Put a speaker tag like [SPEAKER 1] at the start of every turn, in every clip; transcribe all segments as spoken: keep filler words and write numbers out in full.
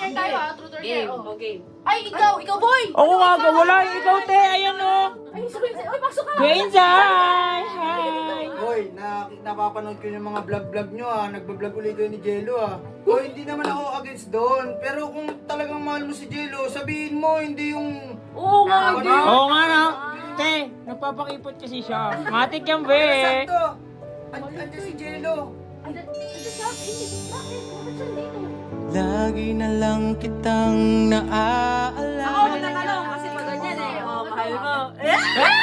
[SPEAKER 1] order tayo ah, truth or dare.
[SPEAKER 2] Game.
[SPEAKER 1] Oh.
[SPEAKER 2] O, game.
[SPEAKER 1] Ay, ikaw, ikaw boy!
[SPEAKER 3] Oo nga, wala. Ikaw, te. Ayan, oh.
[SPEAKER 1] Ay, sabihin sa'yo, ay, pasok ka!
[SPEAKER 3] Queens, hi! Hi!
[SPEAKER 4] Hoy, na, napapanood ko yung mga vlog-vlog nyo ah. Nagbablog ulit kayo ni Jello ah. Hoy, hindi naman ako against doon. Pero kung talagang mahal mo si Jello, sabihin mo, hindi yung...
[SPEAKER 1] Oo nga,
[SPEAKER 4] Ano?
[SPEAKER 1] hindi.
[SPEAKER 3] Oo nga, no? Te, nagpapakipot kasi siya. Matik yan, be.
[SPEAKER 4] Sakto! An- Andiyan si Jello.
[SPEAKER 1] Ano siya? Hindi. Bakit? Bakit siya dito?
[SPEAKER 5] Lagi na lang kitang naaalala.
[SPEAKER 2] Ako magtatanong kasi pag ganyan eh. O, mahal mo. Eh?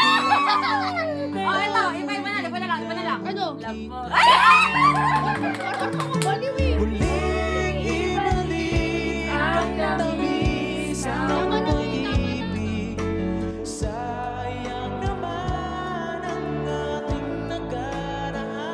[SPEAKER 2] O, ito. Iba, iba na. Iba na lang. Iba na lang.
[SPEAKER 1] Ano?
[SPEAKER 2] Love mo.
[SPEAKER 1] Baliw eh.
[SPEAKER 5] Muling ibalik ang tamis ng pag-ibig. Sayang naman ang ating nakaraan.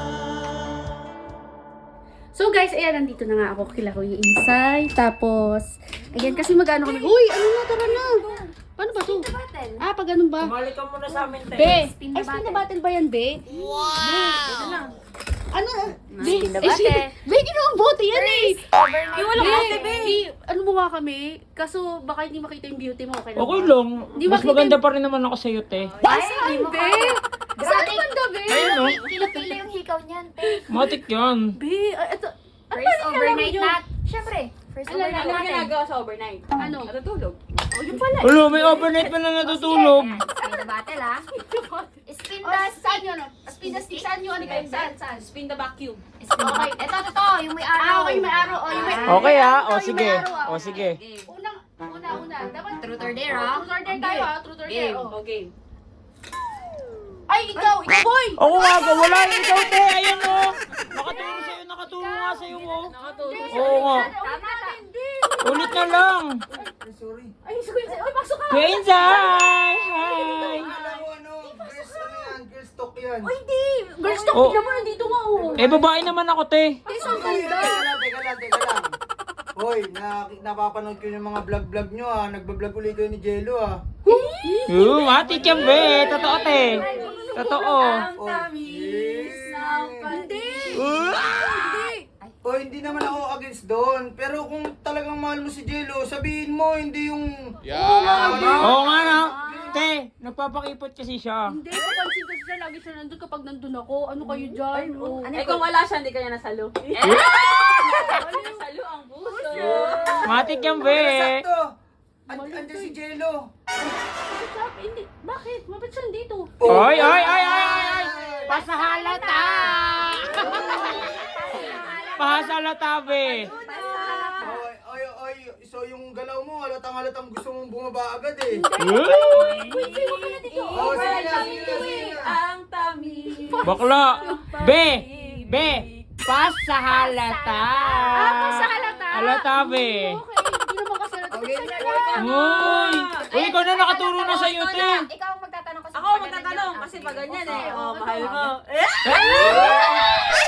[SPEAKER 1] So guys, ayan, nandito na nga ako kila Kuya Insay. Tapos, ayan, kasi mag-ano kami. Uy, ano na, tara na. Paano ba to? Ah, pag ganun ba?
[SPEAKER 3] Bumalik ka muna sa amin, te.
[SPEAKER 1] Be, ay, spin the battle ba yan, Be? Wow! Ano? Be,
[SPEAKER 2] Spin the
[SPEAKER 1] eh,
[SPEAKER 2] battle.
[SPEAKER 1] Be, ginawang bote yan eh.
[SPEAKER 2] Yung walang
[SPEAKER 1] Be,
[SPEAKER 2] bote, be.
[SPEAKER 1] eh, ano mo nga kami? Kaso, baka hindi makita yung beauty mo. Okay lang
[SPEAKER 3] Okay
[SPEAKER 1] ba?
[SPEAKER 3] lang.
[SPEAKER 1] Di
[SPEAKER 3] Mas
[SPEAKER 1] makita
[SPEAKER 3] maganda
[SPEAKER 1] yung-
[SPEAKER 3] pa rin naman ako sa'yo, te.
[SPEAKER 1] Ay, saan, Be? Saan banda, Be?
[SPEAKER 3] Ayun, no?
[SPEAKER 6] Pila-pila yung hikaw niyan, te.
[SPEAKER 3] Matik yan.
[SPEAKER 1] Be, ay, ito.
[SPEAKER 6] First
[SPEAKER 1] paano
[SPEAKER 6] overnight
[SPEAKER 1] nalaman
[SPEAKER 6] nat. Siyempre, first
[SPEAKER 1] Ala,
[SPEAKER 6] overnight
[SPEAKER 2] Ano
[SPEAKER 6] natin.
[SPEAKER 2] ginagawa sa overnight?
[SPEAKER 1] Ano?
[SPEAKER 2] Natutulog.
[SPEAKER 1] Oh, yung pala.
[SPEAKER 3] Ulo, may overnight pa na natutulog.
[SPEAKER 6] Ayan, spin the battle, ha? Spin
[SPEAKER 1] Oh,
[SPEAKER 6] the
[SPEAKER 1] saan yun? Speed the stick. Saan yun? Ano kayo? Saan? Saan?
[SPEAKER 2] Spin the vacuum.
[SPEAKER 6] Spin the battle. Ito, ito, yung may araw.
[SPEAKER 1] Ah, okay, may araw. Oh, yung may
[SPEAKER 3] Okay, ah.
[SPEAKER 1] Ito,
[SPEAKER 3] O,
[SPEAKER 1] yung
[SPEAKER 3] sige.
[SPEAKER 1] may araw, ah.
[SPEAKER 3] O, sige.
[SPEAKER 2] Game.
[SPEAKER 1] Unang, una, una. Dapat
[SPEAKER 6] Truth or dare, ha?
[SPEAKER 1] Truth or dare tayo ah. Truth or dare.
[SPEAKER 2] Game.
[SPEAKER 1] Oh.
[SPEAKER 2] O, game.
[SPEAKER 1] Ay, ikaw! Ikaw, boy!
[SPEAKER 3] Oo nga, wala. Ikaw, te. Ayan, oh. Nakatulong sa'yo. Nakatulong nga sa'yo, oh.
[SPEAKER 2] Nakatulog.
[SPEAKER 3] Oo nga.
[SPEAKER 1] Tama, hindi.
[SPEAKER 3] Ulit na lang.
[SPEAKER 4] Ay, sorry.
[SPEAKER 1] Ay, sabihin sa'yo. Ay, pasok ka!
[SPEAKER 3] Queens, hi! Hi!
[SPEAKER 4] Akala ko ano, girls ano yan, girls talk yan.
[SPEAKER 1] Ay, hindi. Girls talk.
[SPEAKER 3] Oh.
[SPEAKER 1] Tignan mo, nandito nga, oh.
[SPEAKER 3] Eh, babae naman ako, te.
[SPEAKER 1] Ay, saan
[SPEAKER 4] Hoy,
[SPEAKER 1] banda?
[SPEAKER 4] teka lang, teka lang, teka lang. Hoy, na, napapanood ko yung mga vlog-vlg nyo ah. Nagbablog ulit kayo ni Jello ah.
[SPEAKER 3] Oo, matik yan, be. Totoo, te. Totoo.
[SPEAKER 4] Oh, yes.
[SPEAKER 1] Hindi.
[SPEAKER 3] Uh,
[SPEAKER 4] O, hindi naman ako against doon. Pero kung talagang mahal mo si Jello, sabihin mo, hindi yung...
[SPEAKER 3] Oo nga, no? Te, nagpapakipot kasi siya.
[SPEAKER 1] Hindi, kapansin ko siya. Lagi siya nandun kapag nandun ako. Ano kayo dyan? Oh.
[SPEAKER 2] Eh, kung wala siya, hindi kanya nasalo. Nasalo ang puso.
[SPEAKER 3] Matik yan, be.
[SPEAKER 4] Sakto! An- Andiyan si Jello.
[SPEAKER 1] Sabi, hindi. Bakit? Mabit siya dito.
[SPEAKER 3] Oy, oy, oy, oy, oy, oy. Pasahalata. Pasahalata, be.
[SPEAKER 4] Oy, oy, oy. So yung galaw mo, halatang halatang gusto mong bumaba agad eh.
[SPEAKER 3] Uy,
[SPEAKER 4] Oh, sige na, sige na, sige na.
[SPEAKER 2] Ang tamis.
[SPEAKER 3] bakla. Be, be. Pasahalata.
[SPEAKER 1] Ah, pasahalata.
[SPEAKER 3] Halata, be.
[SPEAKER 1] Okay, hindi naman kasi halata.
[SPEAKER 4] Okay,
[SPEAKER 1] Saan
[SPEAKER 4] okay.
[SPEAKER 1] yan?
[SPEAKER 3] Uy. Uy, ikaw na nakaturo na sa'yo,
[SPEAKER 6] Ikaw
[SPEAKER 3] te.
[SPEAKER 6] na. Ikaw ang magtatanong kasi.
[SPEAKER 2] Ako magtatanong kasi pag ganyan eh. O, mahal mo.
[SPEAKER 3] Eh?